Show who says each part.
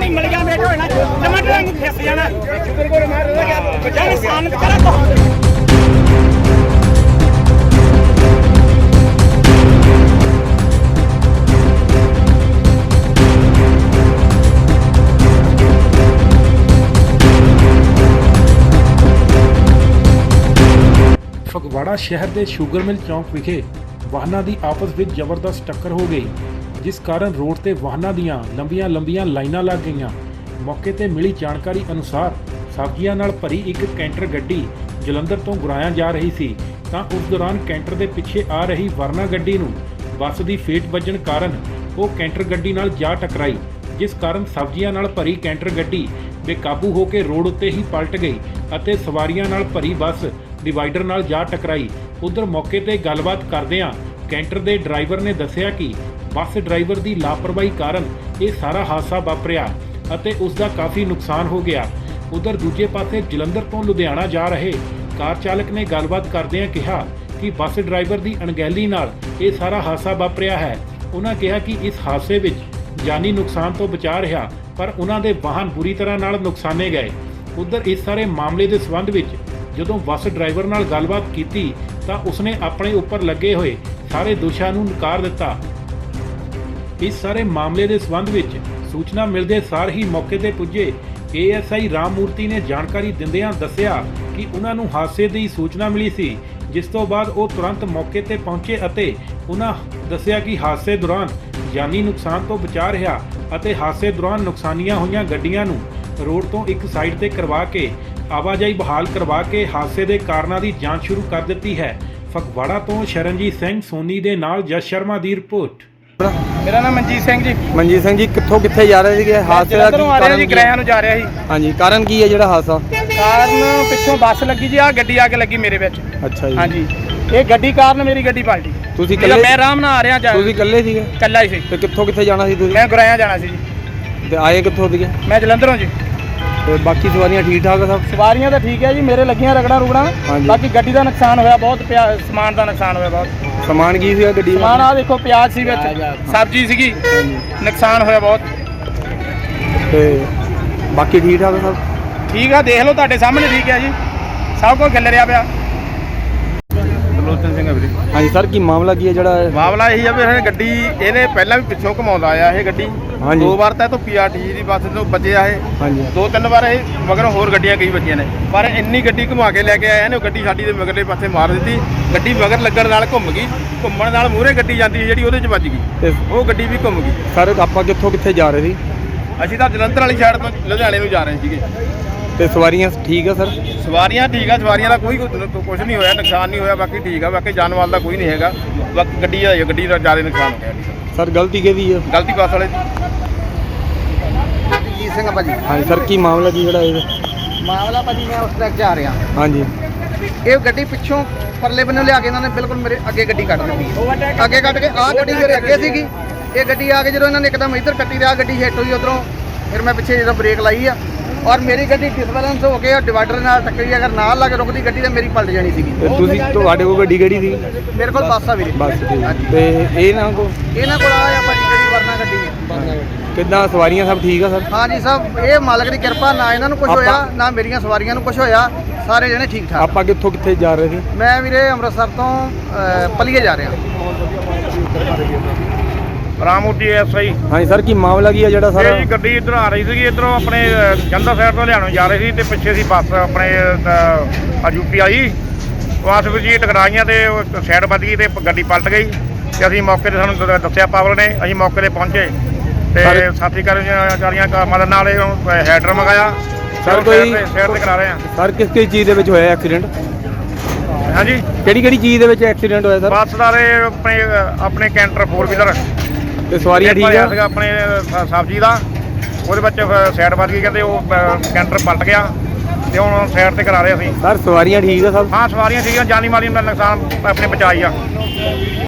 Speaker 1: ਨਹੀਂ ਮਿਲ ਗਿਆ ਮੇਟ ਹੋਣਾ ਟਮਾਟਰ ਵਾਂਗੂ ਫਿਸ ਜਾਣਾ ਸ਼ੁਕਰ ਕੋਲ ਮਾਰ ਰਿਹਾ ਗਿਆ ਬਚਾ ਨੁਕਸਾਨ ਕਰਾ ਬਹੁਤ
Speaker 2: ਫਗਵਾੜਾ ਸ਼ਹਿਰ ਦੇ ਸ਼ੂਗਰ ਮਿਲ ਚੌਂਕ ਵਿਖੇ ਵਾਹਨਾਂ ਦੀ ਆਪਸ ਵਿੱਚ ਜ਼ਬਰਦਸਤ ਟੱਕਰ ਹੋ ਗਈ, ਜਿਸ ਕਾਰਨ ਰੋਡ ਤੇ ਵਾਹਨਾਂ ਦੀਆਂ ਲੰਬੀਆਂ ਲਾਈਨਾਂ ਲੱਗ ਗਈਆਂ। ਮੌਕੇ ਤੇ ਮਿਲੀ ਜਾਣਕਾਰੀ ਅਨੁਸਾਰ ਸਬਜ਼ੀਆਂ ਨਾਲ ਭਰੀ ਇੱਕ ਕੈਂਟਰ ਗੱਡੀ ਜਲੰਧਰ ਤੋਂ ਗੁਰਾਇਆ ਜਾ ਰਹੀ ਸੀ ਤਾਂ ਉਸ ਦੌਰਾਨ ਕੈਂਟਰ ਦੇ ਪਿੱਛੇ ਆ ਰਹੀ ਵਰਨਾ ਗੱਡੀ ਨੂੰ ਬੱਸ ਦੀ ਫੇਟ ਵੱਜਣ ਕਾਰਨ ਉਹ ਕੈਂਟਰ ਗੱਡੀ ਨਾਲ ਜਾ ਟਕਰਾਈ, ਜਿਸ ਕਾਰਨ ਸਬਜ਼ੀਆਂ ਨਾਲ ਭਰੀ ਕੈਂਟਰ ਗੱਡੀ ਬੇਕਾਬੂ ਹੋ ਕੇ ਰੋਡ ਉੱਤੇ ਹੀ ਪਲਟ ਗਈ ਅਤੇ ਸਵਾਰੀਆਂ ਨਾਲ ਭਰੀ ਬੱਸ ਡਿਵਾਈਡਰ ਨਾਲ ਜਾ ਟਕਰਾਈ। ਉਧਰ ਮੌਕੇ ਤੇ ਗੱਲਬਾਤ ਕਰਦਿਆਂ ਕੈਂਟਰ ਦੇ ਡਰਾਈਵਰ ਨੇ ਦੱਸਿਆ ਕਿ ਬੱਸ ਡਰਾਈਵਰ ਦੀ ਲਾਪਰਵਾਹੀ ਕਾਰਨ ਇਹ ਸਾਰਾ ਹਾਦਸਾ ਵਾਪਰਿਆ ਅਤੇ ਉਸ ਦਾ ਕਾਫੀ ਨੁਕਸਾਨ ਹੋ ਗਿਆ। ਉਧਰ ਦੂਜੇ ਪਾਸੇ ਜਲੰਧਰ ਤੋਂ ਲੁਧਿਆਣਾ ਜਾ ਰਹੇ ਕਾਰ ਚਾਲਕ ਨੇ ਗੱਲਬਾਤ ਕਰਦਿਆਂ ਕਿਹਾ ਕਿ ਬੱਸ ਡਰਾਈਵਰ ਦੀ ਅਣਗਹਿਲੀ ਨਾਲ ਇਹ ਸਾਰਾ ਹਾਦਸਾ ਵਾਪਰਿਆ ਹੈ। ਉਹਨਾਂ ਕਿਹਾ ਕਿ ਇਸ ਹਾਦਸੇ ਵਿੱਚ ਜਾਨੀ ਨੁਕਸਾਨ ਤੋਂ ਬਚਾ ਰਿਹਾ, ਪਰ ਉਹਨਾਂ ਦੇ ਵਾਹਨ ਬੁਰੀ ਤਰ੍ਹਾਂ ਨਾਲ ਨੁਕਸਾਨੇ ਗਏ। ਉਧਰ ਇਸ ਸਾਰੇ ਮਾਮਲੇ ਦੇ ਸੰਬੰਧ ਵਿੱਚ ਜਦੋਂ ਬੱਸ ਡਰਾਈਵਰ ਨਾਲ ਗੱਲਬਾਤ ਕੀਤੀ ਤਾਂ ਉਸਨੇ ਆਪਣੇ ਉੱਪਰ ਲੱਗੇ ਹੋਏ ਸਾਰੇ ਦੋਸ਼ਾਂ ਨੂੰ ਨਕਾਰ ਦਿੱਤਾ। ਇਸ ਸਾਰੇ ਮਾਮਲੇ ਦੇ ਸੰਬੰਧ ਵਿੱਚ ਸੂਚਨਾ ਮਿਲਦੇ ਸਾਰ ਹੀ ਮੌਕੇ ਤੇ ਪੁੱਜੇ ASI ਰਾਮ ਮੂਰਤੀ ਨੇ ਜਾਣਕਾਰੀ ਦਿੰਦਿਆਂ ਦੱਸਿਆ ਕਿ ਉਹਨਾਂ ਨੂੰ ਹਾਦਸੇ ਦੀ ਸੂਚਨਾ ਮਿਲੀ ਸੀ, ਜਿਸ ਤੋਂ ਬਾਅਦ ਉਹ ਤੁਰੰਤ ਮੌਕੇ ਤੇ ਪਹੁੰਚੇ ਅਤੇ ਉਹਨਾਂ ਦੱਸਿਆ ਕਿ ਹਾਦਸੇ ਦੌਰਾਨ ਜਾਨੀ ਨੁਕਸਾਨ ਤੋਂ ਬਚਾ ਰਿਹਾ ਅਤੇ ਹਾਦਸੇ ਦੌਰਾਨ ਨੁਕਸਾਨੀਆਂ ਹੋਈਆਂ ਗੱਡੀਆਂ ਨੂੰ ਰੋਡ ਤੋਂ ਇੱਕ ਸਾਈਡ ਤੇ ਕਰਵਾ ਕੇ ਆਵਾਜਾਈ ਬਹਾਲ ਕਰਵਾ ਕੇ ਹਾਦਸੇ ਦੇ ਕਾਰਨਾਂ ਦੀ ਜਾਂਚ ਸ਼ੁਰੂ ਕਰ ਦਿੱਤੀ ਹੈ। ਫਗਵਾੜਾ ਤੋਂ ਸ਼ਰਨਜੀਤ ਸਿੰਘ ਸੋਨੀ ਦੇ ਨਾਲ ਜਸ ਸ਼ਰਮਾ ਦੀ ਰਿਪੋਰਟ।
Speaker 1: ਮੇਰਾ ਨਾਮ ਮਨਜੀਤ ਸਿੰਘ ਜੀ।
Speaker 3: ਮਨਜੀਤ ਸਿੰਘ ਜੀ, ਕਿੱਥੇ ਜਾ ਰਹੇ ਸੀਗੇ? ਹਾਦਸੇ ਦਾ ਕੀ ਕਾਰਨ?
Speaker 1: ਕਿਰਾਇਆ ਨੂੰ ਜਾ ਰਿਹਾ ਸੀ।
Speaker 3: ਹਾਂਜੀ, ਕਾਰਨ ਕੀ ਹੈ ਜਿਹੜਾ ਹਾਦਸਾ?
Speaker 1: ਕਾਰਨ ਪਿੱਛੋਂ ਬੱਸ ਲੱਗੀ ਜੀ, ਆ ਗੱਡੀ ਆ ਕੇ ਲੱਗੀ ਮੇਰੇ ਵਿੱਚ।
Speaker 3: ਅੱਛਾ ਜੀ।
Speaker 1: ਹਾਂਜੀ, ਇਹ ਗੱਡੀ ਕਾਰਨ ਮੇਰੀ ਗੱਡੀ ਪਲਟੀ।
Speaker 3: ਤੁਸੀਂ ਇਕੱਲੇ?
Speaker 1: ਮੈਂ ਆਰਾਮ ਨਾਲ ਆ ਰਿਹਾ।
Speaker 3: ਤੁਸੀਂ ਇਕੱਲੇ ਸੀਗੇ?
Speaker 1: ਇਕੱਲਾ ਹੀ ਸੀ।
Speaker 3: ਤੇ ਕਿੱਥੇ ਜਾਣਾ ਸੀ ਤੁਸੀਂ?
Speaker 1: ਮੈਂ ਗੁਰਾਇਆ ਜਾਣਾ ਸੀ ਜੀ।
Speaker 3: ਤੇ ਆਏ ਕਿੱਥੋਂ ਸੀਗੇ?
Speaker 1: ਮੈਂ ਜਲੰਧਰੋਂ ਜੀ।
Speaker 3: ਤੇ ਬਾਕੀ ਸਵਾਰੀਆਂ ਠੀਕ ਠਾਕ ਆ ਸਭ?
Speaker 1: ਸਵਾਰੀਆਂ ਤਾਂ ਠੀਕ ਹੈ ਜੀ, ਮੇਰੇ ਲੱਗੀਆਂ ਰਗੜਾਂ ਰੁਗੜਾਂ। ਬਾਕੀ ਗੱਡੀ ਦਾ ਨੁਕਸਾਨ ਹੋਇਆ ਬਹੁਤ, ਸਮਾਨ ਦਾ ਨੁਕਸਾਨ ਹੋਇਆ ਬਹੁਤ।
Speaker 3: ਸਮਾਨ ਕੀ ਸੀਗਾ ਗੱਡੀ?
Speaker 1: ਸਮਾਨ ਆ ਦੇਖੋ, ਪਿਆਜ਼ ਸੀ ਵਿੱਚ, ਸਬਜ਼ੀ ਸੀਗੀ, ਨੁਕਸਾਨ ਹੋਇਆ ਬਹੁਤ।
Speaker 3: ਤੇ ਬਾਕੀ ਠੀਕ ਠਾਕ ਸਭ?
Speaker 1: ਠੀਕ ਆ, ਦੇਖ ਲਓ ਤੁਹਾਡੇ ਸਾਹਮਣੇ ਠੀਕ ਹੈ ਜੀ, ਸਭ ਕੁਝ ਖਿਲ ਰਿਹਾ ਪਿਆ। ਲੋਚਨ ਸਿੰਘ ਵੀਰੇ।
Speaker 3: ਹਾਂਜੀ ਸਰ, ਕੀ ਮਾਮਲਾ ਕੀ ਹੈ ਜਿਹੜਾ?
Speaker 1: ਮਾਮਲਾ ਇਹੀ ਆ ਵੀ ਇਹ ਗੱਡੀ ਇਹਨੇ ਪਹਿਲਾਂ ਵੀ ਪਿੱਛੋਂ ਘਮਾਉਂਦਾ ਆਇਆ ਇਹ ਗੱਡੀ।
Speaker 3: ਹਾਂਜੀ।
Speaker 1: 2 ਵਾਰ ਤਾਂ ਇਹ ਤੋਂ PRT ਦੀ ਬੱਸ ਤੋਂ ਬਚਿਆ ਇਹ।
Speaker 3: ਹਾਂਜੀ।
Speaker 1: 2-3 ਵਾਰ ਇਹ ਮਗਰੋਂ ਹੋਰ ਗੱਡੀਆਂ ਕਈ ਵੱਜੀਆਂ ਨੇ, ਪਰ ਇੰਨੀ ਗੱਡੀ ਘੁਮਾ ਕੇ ਲੈ ਕੇ ਆਇਆ ਨੇ, ਗੱਡੀ ਸਾਡੀ ਦੇ ਮਗਰਲੇ ਪਾਸੇ ਮਾਰ ਦਿੱਤੀ। ਗੱਡੀ ਮਗਰ ਲੱਗਣ ਨਾਲ ਘੁੰਮ ਗਈ, ਘੁੰਮਣ ਨਾਲ ਮੂਹਰੇ ਗੱਡੀ ਜਾਂਦੀ ਜਿਹੜੀ ਉਹਦੇ 'ਚ ਵੱਜ ਗਈ,
Speaker 3: ਤੇ
Speaker 1: ਉਹ ਗੱਡੀ ਵੀ ਘੁੰਮ ਗਈ।
Speaker 3: ਸਰ ਆਪਾਂ ਕਿੱਥੇ ਜਾ ਰਹੇ ਸੀ?
Speaker 1: ਅਸੀਂ ਤਾਂ ਜਲੰਧਰ ਵਾਲੀ ਸਾਈਡ ਤੋਂ ਲੁਧਿਆਣੇ ਨੂੰ ਜਾ ਰਹੇ ਸੀਗੇ।
Speaker 3: ਤੇ ਸਵਾਰੀਆਂ ਠੀਕ ਆ ਸਰ?
Speaker 1: ਸਵਾਰੀਆਂ ਠੀਕ ਆ, ਸਵਾਰੀਆਂ ਦਾ ਕੋਈ ਕੁਝ ਨਹੀਂ ਹੋਇਆ, ਨੁਕਸਾਨ ਨਹੀਂ ਹੋਇਆ, ਬਾਕੀ ਠੀਕ ਆ। ਬਾਕੀ ਜਾਨ ਮਾਲ ਦਾ ਕੋਈ ਨਹੀਂ ਹੈਗਾ, ਬਾਕੀ ਗੱਡੀ ਦਾ ਜ਼ਿਆਦਾ ਨੁਕਸਾਨ ਹੋ ਗਿਆ।
Speaker 3: ਸਰ ਗਲਤੀ ਕਿਹਦੀ ਹੈ?
Speaker 1: ਗਲਤੀ ਬੱਸ ਵਾਲੇ ਦੀ। ਜੀਤ ਸਿੰਘ ਭਾਜੀ।
Speaker 3: ਹਾਂਜੀ ਸਰ, ਕੀ ਮਾਮਲਾ ਕੀ ਜਿਹੜਾ ਇਹ?
Speaker 1: ਮਾਮਲਾ ਭਾਜੀ, ਮੈਂ ਉਸ ਟਰੈਕ 'ਚ ਆ ਰਿਹਾ।
Speaker 3: ਹਾਂਜੀ।
Speaker 1: ਇਹ ਗੱਡੀ ਪਿੱਛੋਂ ਪਰਲੇ ਬੰਨੋਂ ਲਿਆ ਕੇ ਇਹਨਾਂ ਨੇ ਬਿਲਕੁਲ ਮੇਰੇ ਅੱਗੇ ਗੱਡੀ ਕੱਢ ਦਿੱਤੀ। ਅੱਗੇ ਕੱਢ ਕੇ ਆਹ ਗੱਡੀ ਮੇਰੇ ਅੱਗੇ ਸੀਗੀ, ਇਹ ਗੱਡੀ ਆ ਕੇ ਜਦੋਂ ਇਹਨਾਂ ਨੇ ਇੱਕਦਮ ਇੱਧਰ ਕੱਟੀ ਤੇ ਆਹ ਗੱਡੀ ਹਿੱਟ ਹੋਈ ਉੱਧਰੋਂ। ਫਿਰ ਮੈਂ ਪਿੱਛੇ ਜਦੋਂ ਬ੍ਰੇਕ ਲਾਈ ਆ, ਔਰ ਮੇਰੀ ਗੱਡੀ ਡਿਸਬੈਲੈਂਸ ਹੋ ਕੇ ਡਿਵਾਈਡਰ ਨਾਲ ਟੱਕਰੀ। ਅਗਰ ਨਾਲ ਲੱਗ ਰੁਕਦੀ ਗੱਡੀ ਤਾਂ ਮੇਰੀ ਪਲਟ ਜਾਣੀ ਸੀਗੀ।
Speaker 3: ਤੁਸੀਂ ਤੁਹਾਡੇ ਕੋਲ ਗੱਡੀ ਕਿਹੜੀ ਸੀ?
Speaker 1: ਮੇਰੇ ਕੋਲ ਬੱਸ ਆ ਵੀਰੇ।
Speaker 3: ਬੱਸ ਤੇ ਇਹਨਾਂ ਕੋਲ
Speaker 1: ਆਇਆ ਭਾਜੀ ਗੱਡੀ, ਵਰਨਾ ਗੱਡੀ ਹੈ।
Speaker 3: ਕਿੱਦਾਂ ਸਵਾਰੀਆਂ ਸਭ ਠੀਕ ਆ ਸਰ?
Speaker 1: ਹਾਂਜੀ ਸਭ, ਇਹ ਮਾਲਕ ਦੀ ਕਿਰਪਾ, ਨਾ ਇਹਨਾਂ ਨੂੰ ਕੁਝ ਹੋਇਆ ਨਾ ਮੇਰੀਆਂ ਸਵਾਰੀਆਂ ਨੂੰ ਕੁਝ ਹੋਇਆ, ਸਾਰੇ ਜਣੇ ਠੀਕ ਠਾਕ।
Speaker 3: ਆਪਾਂ ਕਿੱਥੇ ਜਾ ਰਹੇ ਸੀ?
Speaker 1: ਮੈਂ ਵੀਰੇ ਅੰਮ੍ਰਿਤਸਰ ਤੋਂ ਪਲੀਏ ਜਾ ਰਿਹਾ। ਰਾਮੂਰਤੀ ASI।
Speaker 3: ਹਾਂਜੀ ਸਰ, ਕੀ ਮਾਮਲਾ ਕੀ ਹੈ ਜਿਹੜਾ ਸਰ?
Speaker 4: ਇਹ ਗੱਡੀ ਇੱਧਰ ਆ ਰਹੀ ਸੀਗੀ, ਇੱਧਰੋਂ ਆਪਣੇ ਜਲੰਧਰ ਸਾਈਡ ਤੋਂ ਹਰਿਆਣਾ ਜਾ ਰਹੀ ਸੀ ਤੇ ਪਿੱਛੇ ਸੀ ਬੱਸ ਆਪਣੇ UP ਆਈ। ਬੱਸ ਵਿੱਚ ਜੀ ਟਕਰਾਈਆਂ ਤੇ ਸਾਈਡ ਵੱਜ ਗਈ ਤੇ ਗੱਡੀ ਪਲਟ ਗਈ। ਤੇ ਅਸੀਂ ਮੌਕੇ ਤੇ ਸਾਨੂੰ ਦੱਸਿਆ ਪਾਵਰ ਨੇ, ਅਸੀਂ ਮੌਕੇ ਤੇ ਪਹੁੰਚੇ ਤੇ ਸਾਥੀ ਕਰਮਚਾਰੀਆਂ ਮਦਦ ਨਾਲ ਹੈਡਰ ਮੰਗਾਇਆ।
Speaker 3: ਸਰ ਕੋਈ
Speaker 4: ਸਾਈਡ ਤੇ ਕਰਾ ਰਹੇ ਹਾਂ।
Speaker 3: ਸਰ ਕਿਸ ਚੀਜ਼ ਦੇ ਵਿੱਚ ਹੋਇਆ ਐਕਸੀਡੈਂਟ?
Speaker 4: ਹਾਂਜੀ,
Speaker 3: ਕਿਹੜੀ ਚੀਜ਼ ਦੇ ਵਿੱਚ ਐਕਸੀਡੈਂਟ ਹੋਇਆ ਸਰ?
Speaker 4: ਬੱਸ ਦਾ ਆਪਣੇ ਕੈਂਟਰ 4 ਵੀਲਰ
Speaker 3: ਤੇ ਸਵਾਰੀਆਂ ਠੀਕ ਆ?
Speaker 4: ਸੀਗਾ ਆਪਣੇ ਸਬਜ਼ੀ ਦਾ, ਉਹਦੇ ਵਿੱਚ ਸਾਈਡ ਵੱਜ ਗਈ, ਕਹਿੰਦੇ ਉਹ ਕੈਂਟਰ ਪਲਟ ਗਿਆ ਤੇ ਹੁਣ ਸਾਈਡ ਤੇ ਕਰਾ ਰਹੇ ਅਸੀਂ।
Speaker 3: ਸਰ ਸਵਾਰੀਆਂ ਠੀਕ ਆ ਸਭ?
Speaker 4: ਹਾਂ ਸਵਾਰੀਆਂ ਸੀਗੀਆਂ, ਜਾਨੀ ਮਾਲੀ ਦਾ ਨੁਕਸਾਨ ਆਪਣੇ ਬਚਾਈ ਆ।